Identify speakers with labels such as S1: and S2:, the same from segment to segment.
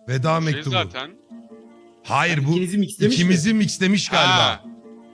S1: Veda
S2: Şey
S1: mektubu.
S2: zaten.
S1: Hayır bu
S3: İkinizi mixlemiş mi?
S1: ikimizi mixlemiş galiba.
S2: Ha.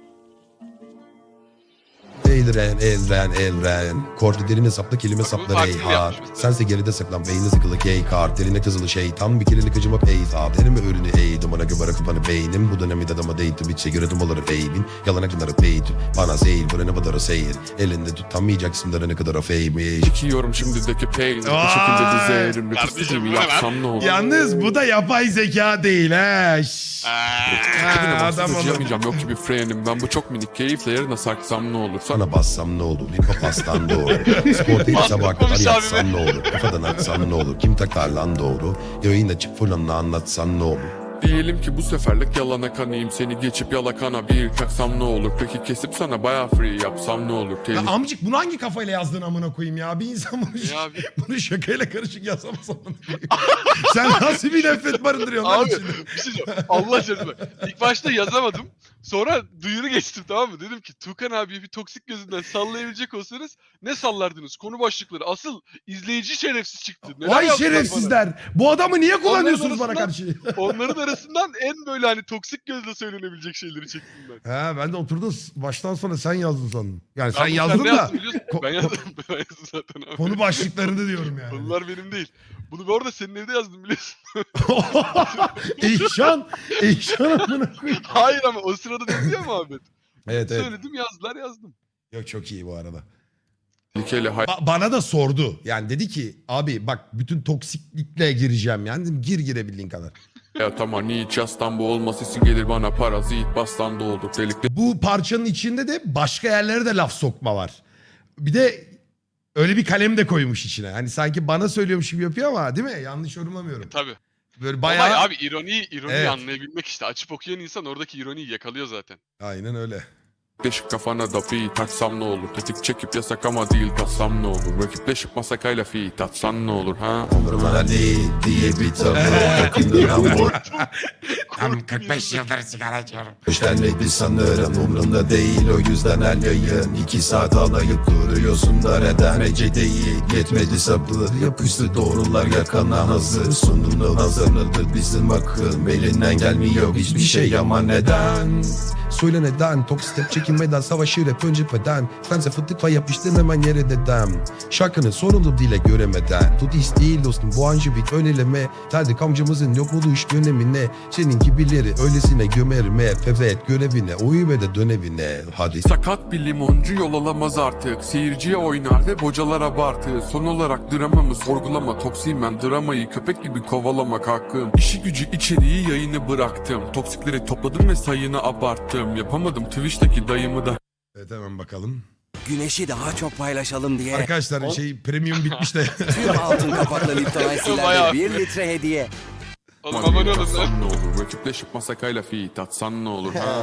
S1: Elren. Kordu derine sapla kelime
S2: Bak, bu
S1: saplar
S2: farklı
S1: ey ha.
S2: yapmış mesela.
S1: Sense geride saklan beyni sıkılı gay kart. Derine kızılı şey tam bir kirilik acımak ey ha. Derime ürünü ey dumana göbara kapanı beynim. Bu dönemi adama değdi bitse göre dumaları eybin. Yalan akınları peyt. Bana zeyil buraya badara seyir. Elinde tutamayacaksın da ne kadar afeymiş.
S4: Çekiyorum şimdideki pain. Bu şekilde dizerim.
S2: Kardeşim,
S4: Nefesimi
S2: bu ne lan?
S4: yapsam ne olur?
S1: Yalnız bu da yapay zeka değil ha.
S4: Bugüne
S1: adam
S4: baksız
S1: onu-
S4: acıyamayacağım yok ki bir frenim. Ben bu çok minik keyifle yerine saksam ne olur?
S1: Sana bassam ne olur? Bir papastan doğru. Spor değil sabah kadar yatsam ne olur? Kafadan atsam ne olur? Kim takar lan doğru? Yayın açıp fulanla anlatsan ne olur?
S4: Diyelim ki bu seferlik yalana kanayım. Seni geçip yalakana bir çaksam ne olur? Peki kesip sana bayağı free yapsam ne olur?
S1: Ya amcık bunu hangi kafayla yazdığını amına koyayım ya? Bir insan bunu,
S2: Ya abi.
S1: bunu şakayla karışık yazamaz amına koyayım. Sen nasıl bir nefret barındırıyorsun lan
S2: Abi
S1: içinde?
S2: bir şey söyleyeyim. Allah aşkına bak. İlk başta yazamadım. Sonra duyuru geçtim, tamam mı? Dedim ki Tuğkan abiye bir toksik gözünden sallayabilecek olsanız ne sallardınız? Konu başlıkları. Asıl izleyici şerefsiz çıktı. Neler
S1: Vay
S2: yazdılar
S1: şerefsizler. Bu adamı niye kullanıyorsunuz bana
S2: arasından-
S1: karşı?
S2: bana? Onların arasından en böyle hani toksik gözle söylenebilecek şeyleri çektim ben.
S1: Ha ben de oturdum baştan sona sen yazdın sandım. Yani sen
S2: Ben bu-
S1: yazdın
S2: ne
S1: da
S2: yazdın biliyorsun? Ben yazdım. Ben yazdım zaten abi.
S1: konu başlıklarını diyorum yani.
S2: Konular benim değil. Bunu bu arada senin evde yazdım biliyorsun.
S1: Eyşan amına koyayım.
S2: Hayır ama o sırada dedi ya Muhammed.
S1: Evet evet.
S2: Söyledim, yazdılar, yazdım.
S1: Yok çok iyi bu arada.
S4: Tehlikeli
S1: Bana da sordu. Yani dedi ki abi bak bütün toksiklikle gireceğim. Yani dedim, girebildiğin kadar.
S4: hayat ama hiç yastan bu olması gelir bana parazit bastan da olur. Delikli
S1: Bu parçanın içinde de başka yerlere de laf sokma var. Bir de öyle bir kalem de koymuş içine. Hani sanki bana söylüyormuş gibi yapıyor ama değil mi? Yanlış yorumlamıyorum.
S2: Tabii.
S1: Böyle
S2: Bayağı...
S1: bayağı...
S2: abi ironiyi
S1: Evet.
S2: anlayabilmek işte. Açıp okuyan insan oradaki ironiyi yakalıyor zaten.
S1: Aynen öyle.
S4: deşik kafana da fi taksam ne olur? Tetik çekip yasak ama değil tatsam ne olur? Rakipleşip masakayla fi tatsan ne olur ha?
S1: Umurumda değil diye bir tavır.
S5: Tam 45 yıldır sigara içiyorum.
S1: Hoşlanmadı sanırım umurumda değil o yüzden her yayın 2 saat alayıp duruyorsun da neden Ece değil yetmedi sabır yapıştı doğrular yakana hazır Sunumlu hazırladı bizim akıl elinden gelmiyor hiçbir şey ama neden Söyle neden toksik step çekinmeden savaşır hep önce peden Sense fıtıkla yapıştın hemen yere dedem Şarkının sorumlu dile göremeden Tut iş değil dostum bu anjı bir öneleme Terdik amcamızın yok olduğu iş dönemine Senin gibileri öylesine gömerim hep evet görevine uyu ve de dönevine hadi
S4: Sakat bir limoncu yol alamaz artık. Seyirciye oynar ve bocalar abartı. Son olarak dramamı sorgulama. Toksiyim ben dramayı köpek gibi kovalamak hakkım. İşi gücü içeriği yayını bıraktım. Toksikleri topladım ve sayını abarttım. Yapamadım Twitch'teki dayımı da.
S1: Evet hemen bakalım.
S5: Güneşi daha çok paylaşalım diye
S1: Arkadaşlar premium bitmiş de
S5: tüm altın kapaklı Lipton
S2: Bayağı.
S5: Ice'lerle 1 litre hediye.
S2: Oğlum abone olun lan.
S4: Tatsan ne olur? Rakipleşip masakayla fi tatsan ne olur ha?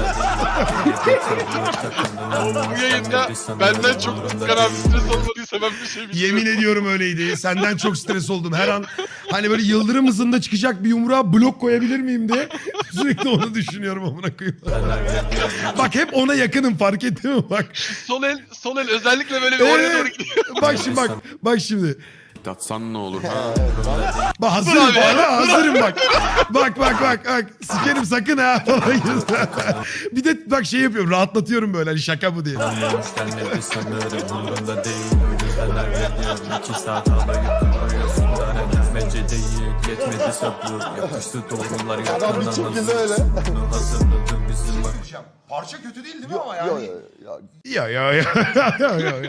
S2: Bu yayında benden çok Tuğkan abi stres olmadıysa ben bir şey bilmiyorum.
S1: yemin ediyorum öyleydi. Senden çok stres oldum. Her an hani böyle yıldırım hızında çıkacak bir yumruğa blok koyabilir miyim diye sürekli onu düşünüyorum amına koyayım. Bak hep ona yakınım fark ettin mi bak.
S2: Sol el özellikle böyle bir oraya doğru gidiyor.
S1: Bak şimdi.
S4: Tatsan ne olur ha?
S1: Bak hazırım bana hazırım bak. Bak. Sikerim sakın ha falan. Bir de bak şey yapıyorum rahatlatıyorum böyle hani şaka bu diye.
S6: Gelmedi sanırım umurumda değil. O yüzden her veriyorum 2 saat alayıp duruyorsun da neden Ece değil yetmedi sabır. Yapıştı doğrular yakından hazır. Bunu hazırladı bizim
S1: Parça kötü değil değil mi ama yani? Ya.